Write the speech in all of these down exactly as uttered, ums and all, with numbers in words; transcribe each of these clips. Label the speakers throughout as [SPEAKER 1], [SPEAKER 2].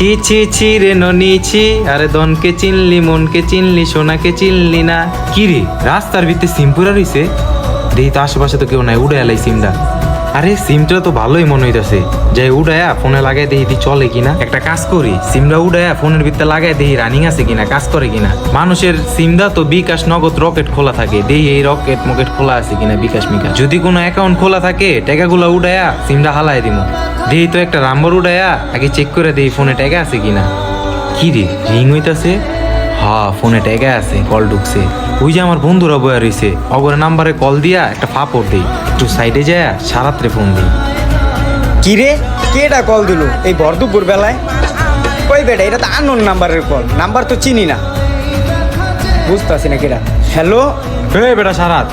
[SPEAKER 1] ছি ছি ছি রে ননি ছি, আরে দনকে চিনলি মনকে চিনলি সোনাকে চিনলি না। কি রে রাস্তার ভিতরে সিম পুরা রইছে, দেখি তো আশেপাশে তো কেউ নাই, উড়ে এলাই সিমটা। আরে সিমটা তো ভালোই মনে হইতাছে, যাই উড়ায়া ফোনে লাগাই দেখি দি চলে কিনা। একটা কাজ করি, সিমটা উড়ায়া ফোনের ভিতরে লাগাই দেখি রানিং আছে কিনা, কাজ করে কিনা। মানুষের সিমটা তো বিকাশ নগদ রকেট খোলা থাকে, দেখি এই রকেট মকেট খোলা আছে কিনা, বিকাশ মিকাশ। যদি কোনো অ্যাকাউন্ট খোলা থাকে টাকাগুলো উড়ায়া সিমটা হালাই দিব, দেখি তো একটা নাম্বার উড়ায়া আগে চেক করে দেখি ফোনে টাকা আছে কিনা। কি রে রিং হইতাছে, হ্যাঁ ফোনে টাকা আছে, কল ঢুকছে। ওই যে আমার বন্ধুরা বয়া রয়েছে, অগর নাম্বারে কল দিয়া একটা ফাপড় দিই, একটু সাইডে যায় সারাত্রে ফোন দিই।
[SPEAKER 2] কি রে কেডা কল দিল এই ভরদুপুর বেলায়? ওই বেটা এটা তো আননোন নাম্বারের কল, নাম্বার তো চিনি না, বুঝতেছি না কেডা। হ্যালো
[SPEAKER 1] এই বেটা সারাত,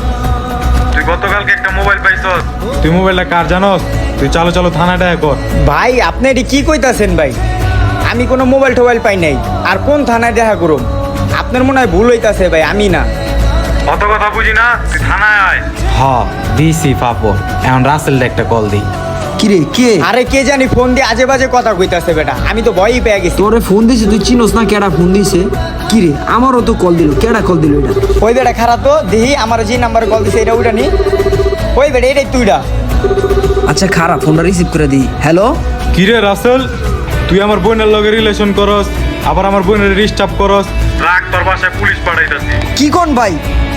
[SPEAKER 1] তুই গতকালকে একটা মোবাইল পাইছস, তুই মোবাইলটা কার জানোস? তুই চালো চালো থানাটা কর।
[SPEAKER 2] ভাই আপনি এটি কি কইতাছেন ভাই? আমি কোনো মোবাইল টোবাইল পাই নাই, আর কোন থানায় দেখা করুম? আপনার মনে হয় ভুল হইতাছে ভাই, আমি না।
[SPEAKER 1] অত কথা বুঝি না, তুই থানায় আয়। হ্যাঁ দিছি ফাপড়, এখন রাসেলটা একটা কল দিই।
[SPEAKER 3] কিরে কে?
[SPEAKER 2] আরে কে জানি ফোন দিয়ে আজে বাজে কথা কইতাছে বেটা, আমি তো ভয়ই পেয়ে গেছি।
[SPEAKER 3] তোরে ফোন দিছে, তুই চিনোস না কেডা ফোন দিছে? কিরে আমারও তো কল দিল, কেডা কল দিল এটা?
[SPEAKER 2] ওই বেটা খারাপ তো, দেখি আমার যে নাম্বারে কল দিছে এটা ওইটা নি। ওই বেটা এটাই তুইটা।
[SPEAKER 3] আচ্ছা খারাপ, ফোনটা রিসিভ করে দিই। হ্যালো
[SPEAKER 1] কিরে রাসেল, তুই আমার বোনের লগে রিলেশন করস, আবার আমার বোনের ডিস্টার্ব করস, রাগ তোর বাসায় পুলিশ পাঠাইতাছি।
[SPEAKER 3] কি কোন ভাই?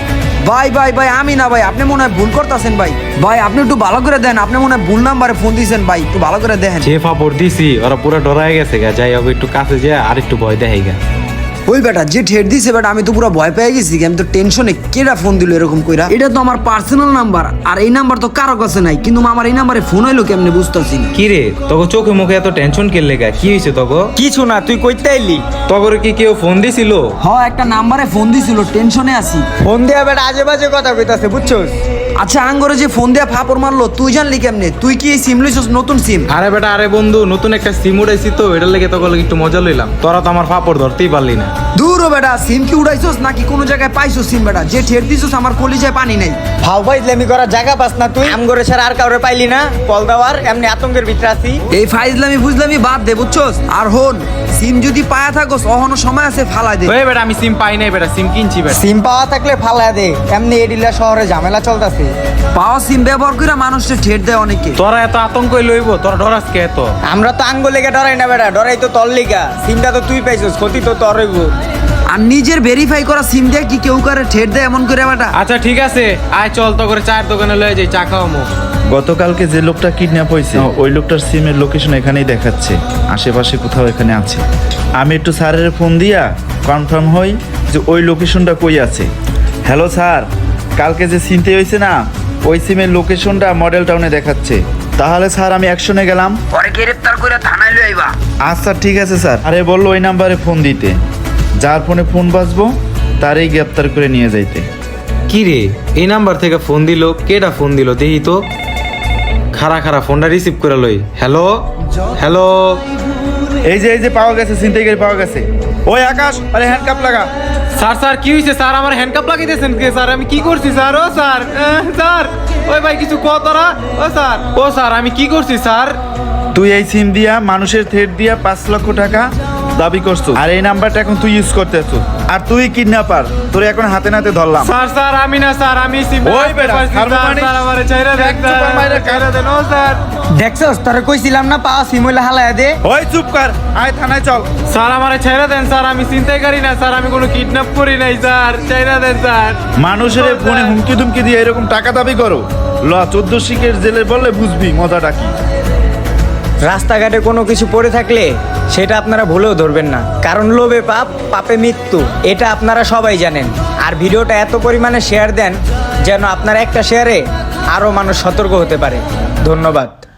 [SPEAKER 3] ভাই ভাই ভাই আমি না ভাই, আপনি মনে হয় ভুল করতেছেন ভাই। ভাই আপনি একটু ভালো করে দেন, আপনি মনে হয় ভুল নাম্বারে ফোন দিয়েছেন ভাই, একটু ভালো করে দেখেন।
[SPEAKER 1] যে ফাপড় দিছি ওরা পুরো ডরাই গেছে গা, যাই হোক একটু কাছে যা আর একটু ভয় দেখাই গা।
[SPEAKER 3] ওই বেটা যে ঠেট দিছে বেটা, আমি তো পুরো ভয় পেয়ে গেছি, আমি তো টেনশনে। কেডা ফোন দিল এরকম কইরা? এটা তো আমার পার্সোনাল নাম্বার, আর এই নাম্বার তো কারো কাছে নাই, কিন্তু আমার এই নাম্বারে ফোন হইলো কেমনে বুঝতেছি না।
[SPEAKER 1] কি রে তোকে চোখে মুখে এত টেনশন কে লেগা, কি হয়েছে তোকে?
[SPEAKER 2] কিছু না, তুই কইতে আইলি?
[SPEAKER 1] তগরে কি কেউ ফোন দিছিল?
[SPEAKER 3] হ একটা নাম্বারে ফোন দিছিল, টেনশনে আছি।
[SPEAKER 2] ফোন দেয়া বেটা আজে বাজে কথা কইতাছে, বুঝছস?
[SPEAKER 3] আচ্ছা আঙ্গরে যে ফোন দেয়া ফাপড় মারলো, তুই জানলি কেমনে? তুই কি এই সিম লইছস, নতুন সিম?
[SPEAKER 1] আরে বেটা আরে বন্ধু, নতুন একটা সিম উড়াইছি তো, এটার লেগে তোকে একটু মজা লইলাম। তোরা তো আমার ফাপড় ধরতেই পারলি না।
[SPEAKER 3] দূর ও বেটা, সিম কি উড়াইছস নাকি কোনো জায়গায় পাইছস সিম? বেটা যে ঠেট দিছস আমার কলিজায় পানি নাই।
[SPEAKER 2] ভাও ফাইজলামি করার জায়গা পাস না তুই? আমগরে ছাড়া আর কাউরে পাইলি না কল দেওয়ার? এমনি আতঙ্কের ভিতরে আছি।
[SPEAKER 3] এই ফাইজলামি বুঝলামি বাদ দে বুঝছস। আর হন, সিম যদি পায়া থাকস অহনো সময় আছে ফালাই দে।
[SPEAKER 1] ওই বেটা আমি সিম পাই নাই বেটা, সিম কিনছি বেটা।
[SPEAKER 2] সিম পাওয়া থাকলে ফালায় দে, এমনি এডিলা শহরে ঝামেলা চলতেছে।
[SPEAKER 3] পাওয়া সিম ব্যবহার করে মানুষের ঠেট দেয় অনেকে।
[SPEAKER 1] তোরা এত আতঙ্ক লইব, তোরা ডরাস কে এত?
[SPEAKER 2] আমরা তো আঙ্গুল লেগে ডরাই না বেটা, ডরাই তো তোর লিগা। সিমটা তো তুই পাইছস, ক্ষতি তো তোর হইব।
[SPEAKER 3] আর নিজের ভেরিফাই করা সিম দিয়ে কি কেউ করে ঠেট দেয় এমন করে বেটা?
[SPEAKER 1] আচ্ছা ঠিক আছে, আয় চল তো করে চায়ের দোকানে লয়ে যাই, চা খাওয়ামু।
[SPEAKER 4] গতকালকে যে লোকটা কিডন্যাপ হয়েছে ওই লোকটার সিমের লোকেশন এখানেই দেখাচ্ছে, আশেপাশে কোথাও এখানে আছে। আমি একটু স্যারের ফোন দিয়া কনফার্ম হই যে ওই লোকেশনটা কই আছে। হ্যালো স্যার, কালকে যে সিমতে হয়েছে না, ওই সিমের লোকেশনটা মডেল টাউনে দেখাচ্ছে। তাহলে স্যার আমি অ্যাকশনে গেলাম।
[SPEAKER 3] পরে গ্রেফতার করে থানায় লই আইবা।
[SPEAKER 4] আচ্ছা ঠিক আছে স্যার। আরে বললো ওই নাম্বারে ফোন দিতে, যার ফোনে ফোন বাজবো তারই গ্রেপ্তার করে নিয়ে যাইতে।
[SPEAKER 1] কি রে এই নাম্বার থেকে ফোন দিল, কেডা ফোন দিল দেখি তো। খারা খারা ফোনটা রিসিভ করে লই। হ্যালো হ্যালো,
[SPEAKER 4] এই যে এই যে পাওয়া গেছে, ছিনতাইকারী পাওয়া গেছে। ওই আকাশ, আরে হ্যান্ডকাপ লাগা।
[SPEAKER 1] স্যার স্যার কি হয়েছে স্যার? আমার হ্যান্ডকাপ লাগিয়েছেন কে স্যার? আমি কি করছি স্যার? ও স্যার আহ, স্যার ওই ভাই কিছু কও তোরা। ও স্যার ও স্যার আমি কি করছি স্যার?
[SPEAKER 4] তুই এই সিম দিয়া মানুষের থ্রেট দিয়া পাঁচ লক্ষ টাকা দাবি করছো, আর এই নাম্বারটা এখন তুই ইউজ করতেছো, আর তুই কিডন্যাপার। তোর এখন হাতে নাতে ধরলাম।
[SPEAKER 1] স্যার স্যার আমি না স্যার, আমি সিম
[SPEAKER 4] ওই বেটা, হারমোনিয়াম
[SPEAKER 1] স্যার আমারে ছাইরা দেন
[SPEAKER 4] এক চুপার মাইরা
[SPEAKER 1] স্যার, ছাইরা দেন। ও স্যার
[SPEAKER 2] দেখছস তোরে কইছিলাম না পাওয়া সিম হইলে হালায় দে।
[SPEAKER 4] ওই চুপ কর, আয় থানায় চল।
[SPEAKER 1] স্যার আমারে ছাইরা দেন স্যার, আমি চিন্তাই না স্যার, আমি কোনো কিডন্যাপ করি নাই স্যার, ছাইরা দেন স্যার।
[SPEAKER 4] মানুষের
[SPEAKER 1] ও
[SPEAKER 4] ফোনে
[SPEAKER 1] স্যার।
[SPEAKER 4] হুমকি দুমকি দিয়ে এরকম টাকা দাবি করো? ল চোদ্দ শিখের জেলে বললে বুঝবি মজাটা কি।
[SPEAKER 2] রাস্তাঘাটে কোনো কিছু পড়ে থাকলে সেটা আপনারা ভুলেও ধরবেন না, কারণ লোভে পাপ, পাপে মৃত্যু, এটা আপনারা সবাই জানেন। আর ভিডিওটা এত পরিমাণে শেয়ার দেন যেন আপনার একটা শেয়ারে আরও মানুষ সতর্ক হতে পারে। ধন্যবাদ।